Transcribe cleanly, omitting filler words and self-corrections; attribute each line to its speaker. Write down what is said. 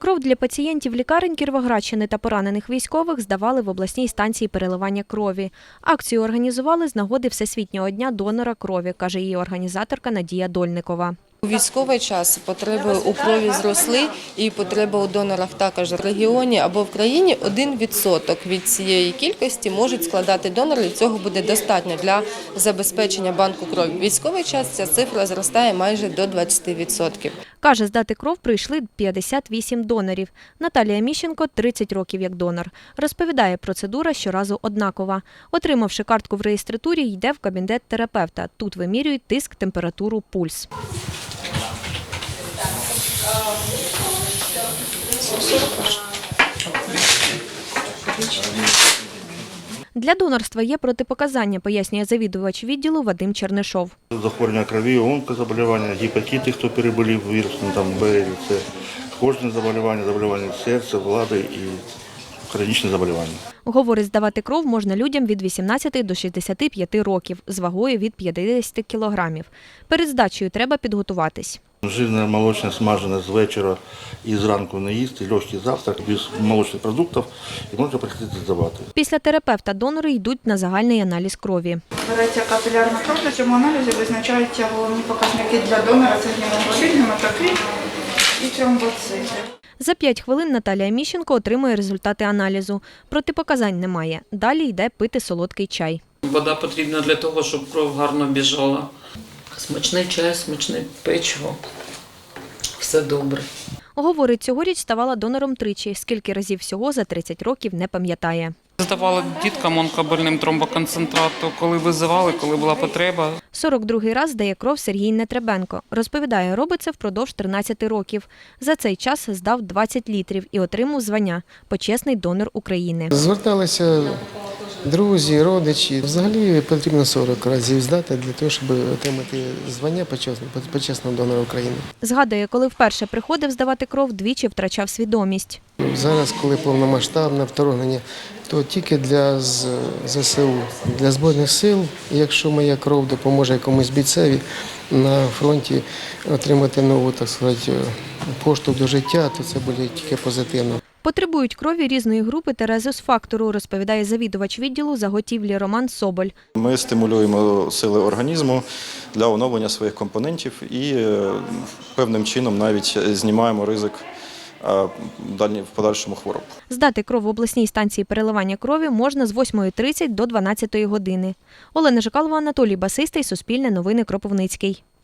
Speaker 1: Кров для пацієнтів лікарень Кіровоградщини та поранених військових здавали в обласній станції переливання крові. Акцію організували з нагоди Всесвітнього дня донора крові, каже її організаторка Надія Дольникова.
Speaker 2: У військовий час потреби у крові зросли і потреба у донорах також в регіоні або в країні 1% від цієї кількості можуть складати донори, і цього буде достатньо для забезпечення банку крові. В військовий час ця цифра зростає майже до 20%.
Speaker 1: Каже, здати кров прийшли 58 донорів. Наталія Міщенко – 30 років як донор. Розповідає, процедура щоразу однакова. Отримавши картку в реєстратурі, йде в кабінет терапевта. Тут вимірюють тиск, температуру, пульс. Для донорства є протипоказання, пояснює завідувач відділу Вадим Чернишов.
Speaker 3: Захворювання крові, онкозаболівання, гепатити, хто переболів вірусом, Б, С, кожне заболівання серця, влади і хронічне заболівання.
Speaker 1: Говорить, здавати кров можна людям від 18 до 65 років з вагою від 50 кілограмів. Перед здачею треба підготуватись.
Speaker 3: Жирне, молочне, смажене з вечора і зранку не їсти, легкий завтрак, без молочних продуктів і можна приходити здавати.
Speaker 1: Після терапевта донори йдуть на загальний аналіз крові.
Speaker 4: Береться капілярна кров, на цьому аналізі визначаються головні показники для донора – це гемоглобін, гематокрит і тромбоцити.
Speaker 1: За 5 хвилин Наталія Міщенко отримує результати аналізу. Протипоказань немає. Далі йде пити солодкий чай.
Speaker 5: Вода потрібна для того, щоб кров гарно біжала. Смачний чай, смачне печиво. Все добре.
Speaker 1: Говорить, цьогоріч ставала донором тричі. Скільки разів всього за 30 років не пам'ятає.
Speaker 5: Здавали діткам онкобольним тромбоконцентрату, коли визивали, коли була потреба.
Speaker 1: 42-й раз здає кров Сергій Нетребенко. Розповідає, робить це впродовж 13 років. За цей час здав 20 літрів і отримав звання «Почесний донор України».
Speaker 6: Зверталися друзі, родичі. Взагалі потрібно 40 разів здати для того, щоб отримати звання «Почесного донора України».
Speaker 1: Згадує, коли вперше приходив здавати кров, двічі втрачав свідомість.
Speaker 6: Зараз, коли повномасштабне вторгнення, то тільки для ЗСУ, для Збройних сил, якщо моя кров допоможе якомусь бійцеві на фронті отримати нову, так сказати, поштовх до життя, то це буде тільки позитивно.
Speaker 1: Потребують крові різної групи та резус-фактору, розповідає завідувач відділу заготівлі Роман Соболь.
Speaker 7: Ми стимулюємо сили організму для оновлення своїх компонентів і певним чином навіть знімаємо ризик в подальшому хвороб.
Speaker 1: Здати кров в обласній станції переливання крові можна з 8:30 до 12 години. Олена Жикалова, Анатолій Басистий, Суспільне новини, Кропивницький.